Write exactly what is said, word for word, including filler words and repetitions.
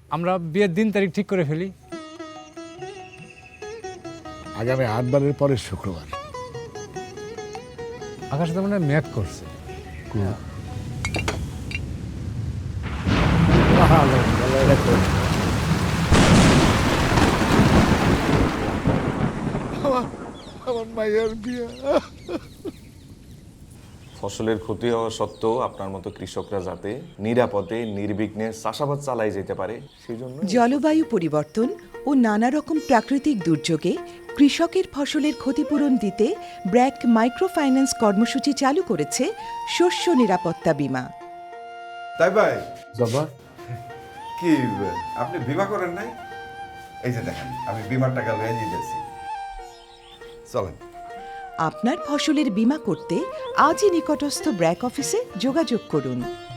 আমরা বিয়ের দিন তারিখ ঠিক করে ফেলি। আগামী আটবারের পরের শুক্রবার। আকাশ তো মানে ম্যাক করছে। আমার মায়ের বিয়ে। ফসলের ক্ষতি হওয়া সত্ত্বেও আপনার মতো কৃষকরা যাতে নিরাপদে নির্বিঘ্নে চাষাবাদ চালাই যেতে পারে সেই জন্য জলবায়ু পরিবর্তন ও নানা রকম প্রাকৃতিক দুর্যোগে কৃষকের ফসলের ক্ষতিপূরণ দিতে ব্র্যাক মাইক্রোফাইন্যান্স কর্মসূচি চালু করেছে শস্য নিরাপত্তা বীমা। তাই ভাই বাবা কি আপনি বিমা করেন নাই? এই যে দেখেন আমি বিমার টাকা লয়ে নিয়েছি, চলেন। আপনার ফসলের বীমা করতে আজই নিকটস্থ ব্র্যাক অফিসে যোগাযোগ করুন।